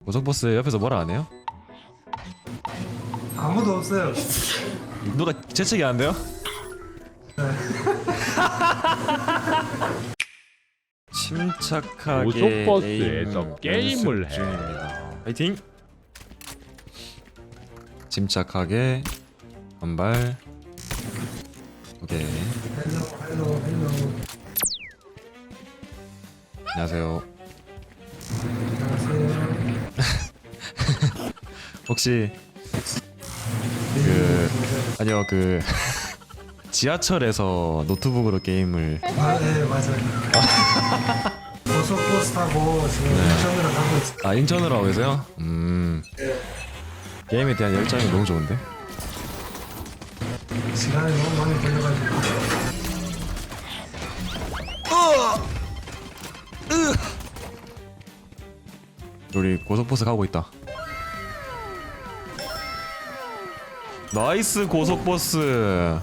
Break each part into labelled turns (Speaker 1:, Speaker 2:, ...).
Speaker 1: 고속버스 옆에서 뭐라 안 해요?
Speaker 2: 아무도 없어요.
Speaker 1: 누가 재채기 안 돼요? 침착하게
Speaker 3: 고속버스에서 게임을
Speaker 1: 연습
Speaker 3: 해.
Speaker 1: 중입니다. 파이팅! 침착하게 한발. 오케이.
Speaker 2: 헬로.
Speaker 1: 안녕하세요.
Speaker 2: 안녕하세요.
Speaker 1: 혹시 아니요 지하철에서 노트북으로 게임을
Speaker 2: 네 맞아요. 고속버스 타고 지금 인천으로 가고 있어요.
Speaker 1: 인천으로 하고 계세요? 게임에 대한 열정이 너무 좋은데?
Speaker 2: 시간이 너무 많이 걸려가지고.
Speaker 1: 우리 고속버스 가고 있다. 나이스 고속버스.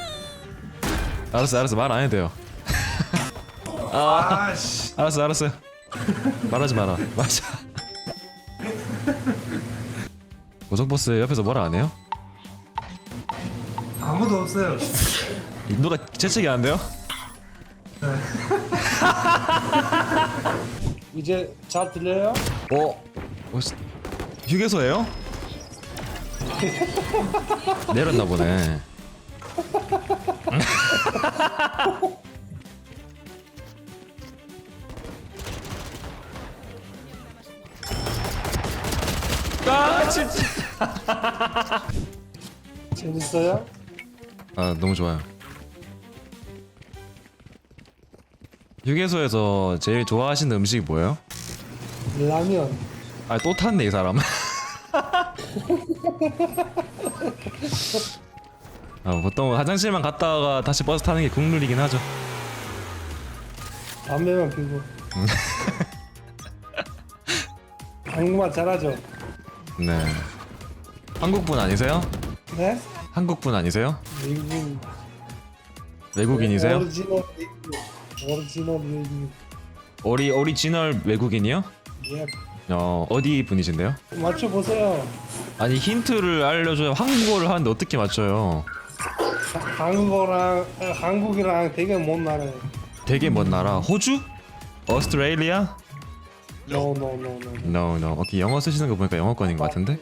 Speaker 1: 알았어 말 안 해도 돼요.
Speaker 2: 아씨.
Speaker 1: 알았어 말하지 마라. 맞아. 고속버스 옆에서 뭐라 안 해요?
Speaker 2: 아무도 없어요.
Speaker 1: 누가 재채기 안 돼요?
Speaker 2: 이제 잘 들려요?
Speaker 1: 휴게소예요? 내렸나 보네. 진짜.
Speaker 2: 재밌어요?
Speaker 1: 너무 좋아요. 휴게소에서 제일 좋아하시는 음식이 뭐예요?
Speaker 2: 라면.
Speaker 1: 또 탔네 이 사람. 보통 화장실만 갔다가 다시 버스 타는 게 국룰이긴 하죠.
Speaker 2: 담배만 피고. 한국말 잘하죠?
Speaker 1: 네. 한국분 아니세요?
Speaker 2: 네?
Speaker 1: 한국분 아니세요?
Speaker 2: 미국.
Speaker 1: 외국인이세요?
Speaker 2: 오리지널 미국.
Speaker 1: 오리지널 외국인이요?
Speaker 2: 예.
Speaker 1: 어디 분이신데요?
Speaker 2: 맞춰보세요.
Speaker 1: 아니 힌트를 알려줘야 한국어를 하는데 어떻게 맞춰요?
Speaker 2: 한국이랑 되게 먼 나라예요.
Speaker 1: 되게 먼 나라. 호주? 오스트레일리아?
Speaker 2: No.
Speaker 1: No. 오케이, 영어 쓰시는 거 보니까 영어권인 것 같은데?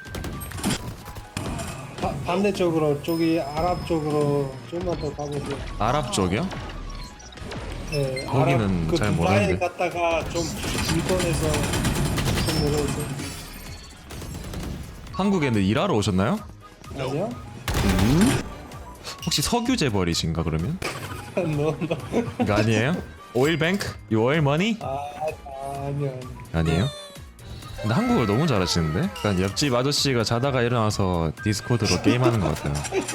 Speaker 2: 반대쪽으로 저기 아랍 쪽으로 좀만 더 가보세요.
Speaker 1: 아랍 쪽이요?
Speaker 2: 네,
Speaker 1: 거기는
Speaker 2: 아랍,
Speaker 1: 잘
Speaker 2: 두바이
Speaker 1: 모르는데.
Speaker 2: 갔다가 좀 일본에서 좀 내려오세요.
Speaker 1: 한국에는 일하러 오셨나요?
Speaker 2: 아니요?
Speaker 1: 혹시 석유 재벌이신가 그러면?
Speaker 2: No.
Speaker 1: 이거 아니에요? 오일뱅크? You oil money?
Speaker 2: 아니요.
Speaker 1: 아니에요? 근데 한국어를 너무 잘하시는데? 약간 옆집 아저씨가 자다가 일어나서 디스코드로 게임하는 것 같아요.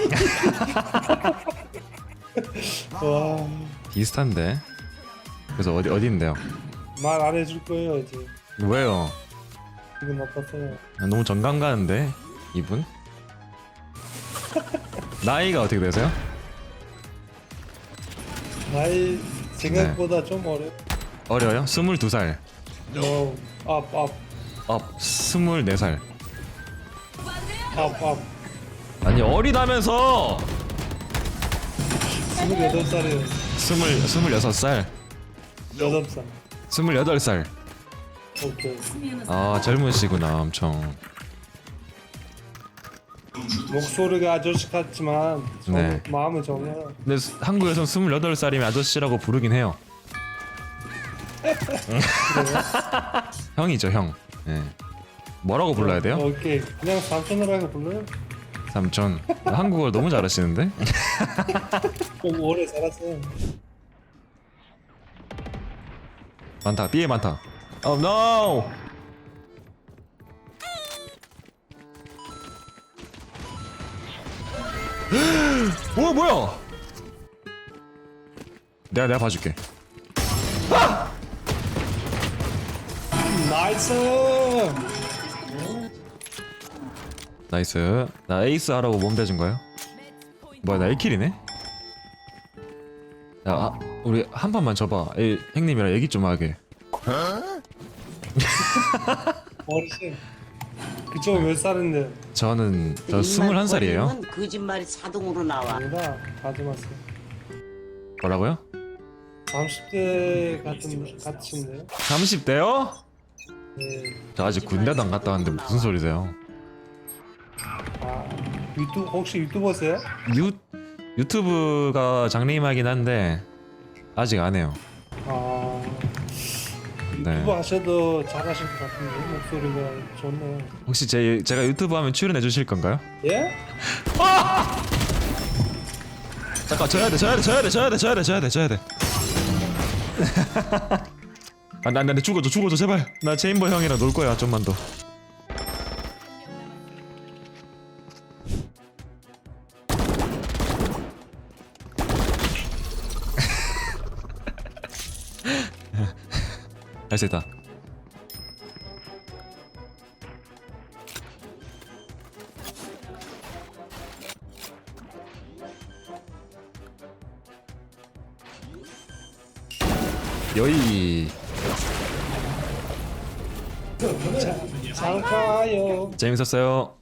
Speaker 2: 와,
Speaker 1: 비슷한데? 그래서 어디인데요?
Speaker 2: 말 안 해줄 거예요 이제.
Speaker 1: 왜요?
Speaker 2: 기분 나빴어요.
Speaker 1: 너무 정감 가는데 이분? 나이가 어떻게 되세요?
Speaker 2: 나이 생각보다 좀
Speaker 1: 어려요? 22살.
Speaker 2: No. up.
Speaker 1: 24살.
Speaker 2: up.
Speaker 1: 아니 어리다면서!
Speaker 2: 28살이에요.
Speaker 1: 26살.
Speaker 2: 8살.
Speaker 1: 28살.
Speaker 2: 오케이.
Speaker 1: 젊으시구나 엄청.
Speaker 2: 목소리가 아저씨 같지만
Speaker 1: 네.
Speaker 2: 마음은 정해요.
Speaker 1: 근데 한국에선 28살이면 아저씨라고 부르긴 해요. 형이죠 형. 네. 뭐라고 불러야 돼요?
Speaker 2: 오케이. 그냥 삼촌이라고 불러요.
Speaker 1: 삼촌. 한국어를 너무 잘하시는데?
Speaker 2: 좀 오래 살았어요.
Speaker 1: 많다. B에 많다. Oh no! 뭐야? 내가 봐줄게.
Speaker 2: 나이스.
Speaker 1: 나이스. 나 에이스 하라고 몸 대준 거예요? 뭐야 나 1킬이네? 야 우리 한 판만 져봐. 형님이랑 얘기 좀 하게.
Speaker 2: 어르신. 그쪽 몇 살인데?
Speaker 1: 저는 저 21살이에요.
Speaker 4: 걸리면 거짓말이 자동으로 나와.
Speaker 2: 아니다. 가지 마세요.
Speaker 1: 뭐라고요?
Speaker 2: 30대 같은데요?
Speaker 1: 30대요?
Speaker 2: 네.
Speaker 1: 저 아직 군대도 안 갔다 왔는데 무슨 소리세요?
Speaker 2: 아 유튜브 혹시 유튜버세요?
Speaker 1: 유튜브가 장래희망이긴 한데 아직 안 해요.
Speaker 2: 아 유튜브
Speaker 1: 네.
Speaker 2: 하셔도 잘하실 것 같은데 목소리가 좋네요.
Speaker 1: 혹시 제가 유튜브 하면 출연해 주실 건가요?
Speaker 2: 예?
Speaker 1: 잠깐 져야 돼. 나 죽어줘 제발. 나 체인버 형이랑 놀 거야 좀만 더. 할 수 있다. 여이
Speaker 2: 잘 가요.
Speaker 1: 재밌었어요.